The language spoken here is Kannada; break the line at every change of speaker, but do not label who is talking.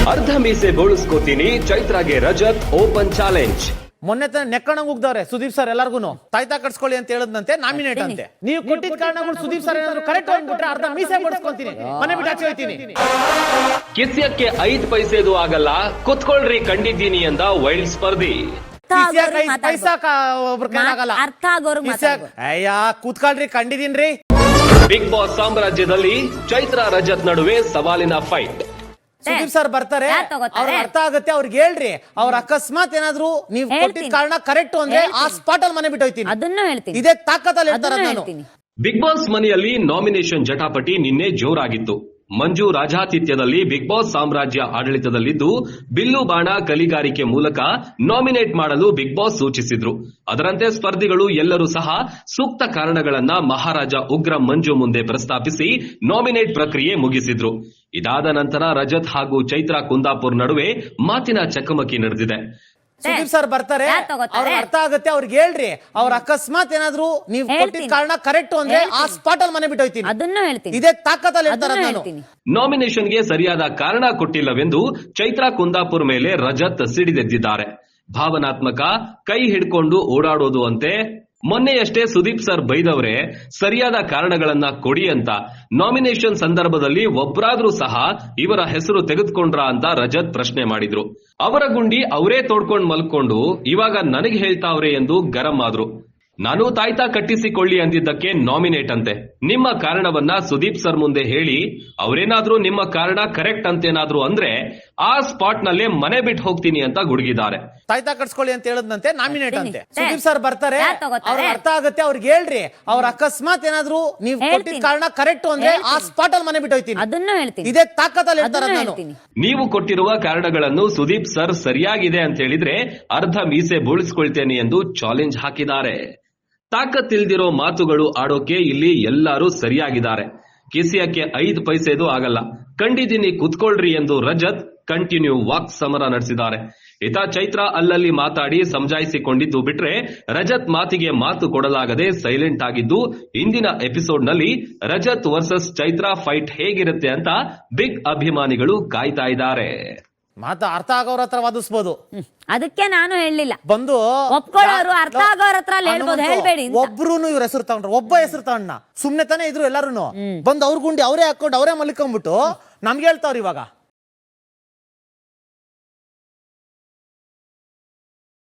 ಅರ್ಧ ಮೀಸೆ ಬೋಳಿಸ್ಕೋತೀನಿ, ಚೈತ್ರಾಗೆ ರಜತ್ ಓಪನ್ ಚಾಲೆಂಜ್.
ಮೊನ್ನೆ ನೆಕ್ಕಣಂಗ್ ಉಗ್ದವ್ರೆ ಸುದೀಪ್ ಸರ್ ಎಲ್ಲಾರ್ಗು ತಾಯ್ತಾ ಕಟ್ಸ್ಕೊಳ್ಳಿ ಅಂತ ಹೇಳದಂತೆ ನಾಮಿನೇಟ್ ಅಂತೆ. ನೀವು ಕೊಟ್ಟಿದ್ದ ಕಾರಣಗಳು ಸುದೀಪ್ ಸರ್ ಏನಾದ್ರು ಕರೆಕ್ಟ್ ಅಂದ್ಬಿಟ್ರೆ ಅರ್ಧ ಮೀಸೆ ಬೋಳಿಸ್ಕೊಂತೀನಿ, ಮನೆ ಬಿಟ್ಟು ಆಚೆ ಹೋಗ್ತೀನಿ.
ಕಿಸ್ಯಕ್ಕೆ 5 ಪೈಸೆದು ಆಗಲ್ಲ, ಕುತ್ಕೊಳ್ರಿ ಕಂಡಿದ್ದೀನಿ ಅಂದ ವೈಲ್ಡ್ ಸ್ಪರ್ಧಿ.
ಅರ್ಥ ಆಗೋರು
ಅಯ್ಯ ಕೂತ್ಕೊಳ್ರಿ ಕಂಡಿದೀನ್ರಿ.
ಬಿಗ್ ಬಾಸ್ ಸಾಮ್ರಾಜ್ಯದಲ್ಲಿ ಚೈತ್ರ ರಜತ್ ನಡುವೆ ಸವಾಲಿನ ಫೈಟ್.
ಸುದೀಪ್ ಸರ್ ಬರ್ತಾರೆ, ಅವ್ರಿಗೆ ಅರ್ಥ ಆಗುತ್ತೆ, ಅವ್ರಿಗೆ ಹೇಳ್ರಿ. ಅವ್ರ ಅಕಸ್ಮಾತ್ ಏನಾದ್ರು ನೀವು ಕೊಟ್ಟಿದ್ದ ಕಾರಣ ಕರೆಕ್ಟ್ ಅಂದ್ರೆ ಆ ಸ್ಪಾಟ್ ಅಲ್ಲಿ ಮನೆ ಬಿಟ್ಟು ಹೋಗ್ತೀನಿ,
ಅದನ್ನು ಹೇಳ್ತೀನಿ.
ಇದೇ ತಾಕತ್ತಲ್ಲಿ ಹೇಳ್ತಾರ ನಾನು.
ಬಿಗ್ ಬಾಸ್ ಮನೆಯಲ್ಲಿ ನಾಮಿನೇಷನ್ ಜಟಾಪಟಿ ನಿನ್ನೆ ಜೋರಾಗಿತ್ತು. ಮಂಜು ರಾಜಾತಿಥ್ಯದಲ್ಲಿ ಬಿಗ್ ಬಾಸ್ ಸಾಮ್ರಾಜ್ಯ ಆಡಳಿತದಲ್ಲಿದ್ದು ಬಿಲ್ಲು ಬಾಣ ಕಲಿಗಾರಿಕೆ ಮೂಲಕ ನಾಮಿನೇಟ್ ಮಾಡಲು ಬಿಗ್ ಬಾಸ್ ಸೂಚಿಸಿದ್ರು. ಅದರಂತೆ ಸ್ಪರ್ಧಿಗಳು ಎಲ್ಲರೂ ಸಹ ಸೂಕ್ತ ಕಾರಣಗಳನ್ನ ಮಹಾರಾಜ ಉಗ್ರ ಮಂಜು ಮುಂದೆ ಪ್ರಸ್ತಾಪಿಸಿ ನಾಮಿನೇಟ್ ಪ್ರಕ್ರಿಯೆ ಮುಗಿಸಿದ್ರು. ಇದಾದ ನಂತರ ರಜತ್ ಹಾಗೂ ಚೈತ್ರಾ ಕುಂದಾಪುರ್ ನಡುವೆ ಮಾತಿನ ಚಕಮಕಿ ನಡೆದಿದೆ.
ಸುದೀಪ್ ಸರ್ ಬರ್ತಾರೆ, ಅವ್ರಿಗೆ ಅರ್ಥ ಆಗುತ್ತೆ, ಅವ್ರಿಗೆ ಹೇಳ್ರಿ. ಅವ್ರ ಅಕಸ್ಮಾತ್ ಏನಾದ್ರು ನೀವು ಕೊಟ್ಟಿದ್ದ ಕಾರಣ ಕರೆಕ್ಟ್ ಅಂದ್ರೆ ಆ ಸ್ಪಾಟ್ ಅಲ್ಲಿ ಮನೆ ಬಿಟ್ಟು ಹೋಗ್ತೀನಿ,
ಅದನ್ನು ಹೇಳ್ತೀನಿ.
ಇದೇ ತಾಕತ್ತಲ್ಲಿ ಹೇಳ್ತಾರ ನಾನು.
ನಾಮಿನೇಷನ್ಗೆ ಸರಿಯಾದ ಕಾರಣ ಕೊಟ್ಟಿಲ್ಲವೆಂದು ಚೈತ್ರಾ ಕುಂದಾಪುರ್ ಮೇಲೆ ರಜತ್ ಸಿಡಿದೆದ್ದಿದ್ದಾರೆ. ಭಾವನಾತ್ಮಕ, ಕೈ ಹಿಡ್ಕೊಂಡು ಓಡಾಡೋದು ಅಂತೆ. ಮೊನ್ನೆಯಷ್ಟೇ ಸುದೀಪ್ ಸರ್ ಬೈದವ್ರೆ, ಸರಿಯಾದ ಕಾರಣಗಳನ್ನ ಕೊಡಿ ಅಂತ. ನಾಮಿನೇಷನ್ ಸಂದರ್ಭದಲ್ಲಿ ಒಬ್ರಾದ್ರೂ ಸಹ ಇವರ ಹೆಸರು ತೆಗೆದುಕೊಂಡ್ರ ಅಂತ ರಜತ್ ಪ್ರಶ್ನೆ ಮಾಡಿದ್ರು. ಅವರ ಗುಂಡಿ ಅವರೇ ತೋಡ್ಕೊಂಡು ಮಲ್ಕೊಂಡು ಇವಾಗ ನನಗೆ ಹೇಳ್ತಾವ್ರೆ ಎಂದು ಗರಂ ಆದ್ರು. ನಾನು ತಾಯ್ತಾ ಕಟ್ಟಿಸಿಕೊಳ್ಳಿ ಅಂದಿದ್ದಕ್ಕೆ ನಾಮಿನೇಟ್ ಅಂತೆ. ನಿಮ್ಮ ಕಾರಣವನ್ನ ಸುದೀಪ್ ಸರ್ ಮುಂದೆ ಹೇಳಿ, ಅವರೇನಾದ್ರೂ ನಿಮ್ಮ ಕಾರಣ ಕರೆಕ್ಟ್ ಅಂತೇನಾದ್ರೂ ಅಂದ್ರೆ ಆ ಸ್ಪಾಟ್ ನಲ್ಲೇ ಮನೆ ಬಿಟ್ಟು ಹೋಗ್ತೀನಿ ಅಂತ ಗುಡುಗಿದ್ದಾರೆ.
ತಾಯ್ತಾ ಕಟ್ಸ್ಕೊಳ್ಳಿ ಅಂತ ಹೇಳದಂತೆ ನಾಮಿನೇಟ್ ಅಂತೆ. ಸುದೀಪ್ ಸರ್ ಬರ್ತಾರೆ, ಅವ್ರಿಗೆ ಅರ್ಥ ಆಗುತ್ತೆ, ಅವ್ರಿಗೆ ಹೇಳ್ರಿ. ಅವ್ರ ಅಕಸ್ಮಾತ್ ಏನಾದ್ರೂ ನೀವು ಕೊಟ್ಟಿದ್ದ ಕಾರಣ ಕರೆಕ್ಟ್ ಅಂದ್ರೆ ಆ ಸ್ಪಾಟ್ ಅಲ್ಲಿ ಮನೆ ಬಿಟ್ಟು ಹೋಗ್ತೀನಿ,
ಅದನ್ನು ಹೇಳ್ತೀನಿ.
ಇದೇ ತಾಕತ್ತಲ್ಲಿ ಹೇಳ್ತಾರ ನಾನು.
ನೀವು ಕೊಟ್ಟಿರುವ ಕಾರಣಗಳನ್ನು ಸುದೀಪ್ ಸರ್ ಸರಿಯಾಗಿದೆ ಅಂತ ಹೇಳಿದ್ರೆ ಅರ್ಧ ಮೀಸೆ ಬೋಳಿಸ್ಕೊಳ್ತೇನೆ ಎಂದು ಚಾಲೆಂಜ್ ಹಾಕಿದ್ದಾರೆ. ತಾಕತ್ತಿಲ್ದಿರೋ ಮಾತುಗಳು ಆಡೋಕೆ ಇಲ್ಲಿ ಎಲ್ಲರೂ ಸರಿಯಾಗಿದ್ದಾರೆ. ಕಿಸಿಯಕ್ಕೆ 5 ಪೈಸೆದು ಆಗಲ್ಲ, ಕಂಡಿದ್ದೀನಿ ಕುತ್ಕೊಳ್ರಿ ಎಂದು ರಜತ್ ಕಂಟಿನ್ಯೂ ವಾಕ್ ಸಮರ ನಡೆಸಿದ್ದಾರೆ. ಇತ ಚೈತ್ರ ಅಲ್ಲಲ್ಲಿ ಮಾತಾಡಿ ಸಮಜಾಯಿಸಿಕೊಂಡಿದ್ದು ಬಿಟ್ರೆ ರಜತ್ ಮಾತಿಗೆ ಮಾತು ಕೊಡಲಾಗದೆ ಸೈಲೆಂಟ್ ಆಗಿದ್ದು, ಇಂದಿನ ಎಪಿಸೋಡ್ ನಲ್ಲಿ ರಜತ್ ವರ್ಸಸ್ ಚೈತ್ರ ಫೈಟ್ ಹೇಗಿರುತ್ತೆ ಅಂತ ಬಿಗ್ ಅಭಿಮಾನಿಗಳು ಕಾಯ್ತಾ ಇದ್ದಾರೆ.
ಮಾತು ಅರ್ಥ ಆಗೋರ ಹತ್ರ ವಾದಿಸ್ಬೋದು,
ಅದಕ್ಕೆ ನಾನು ಹೇಳಲಿಲ್ಲ.
ಬಂದು
ಒಪ್ಕೊಳ್ಳೋರು ಅರ್ಥ ಆಗೋರ ಹತ್ರ ಹೇಳ್ಬೋದು, ಹೇಳ್ಬೇಡಿ.
ಒಬ್ರು ಇವ್ರ ಹೆಸರು ತಗೊಂಡ್ರು, ಒಬ್ಬ ಹೆಸರು ತಗೊಂಡ ಸುಮ್ನೆ ತಾನೇ ಇದ್ರು ಎಲ್ಲಾರು. ಬಂದು ಅವ್ರ ಗುಂಡಿ ಅವರೇ ಹಾಕೊಂಡು ಅವರೇ ಮಲ್ಕೊಂಡ್ಬಿಟ್ಟು ನಮ್ಗೆ ಹೇಳ್ತಾವ್ರಿ ಇವಾಗ.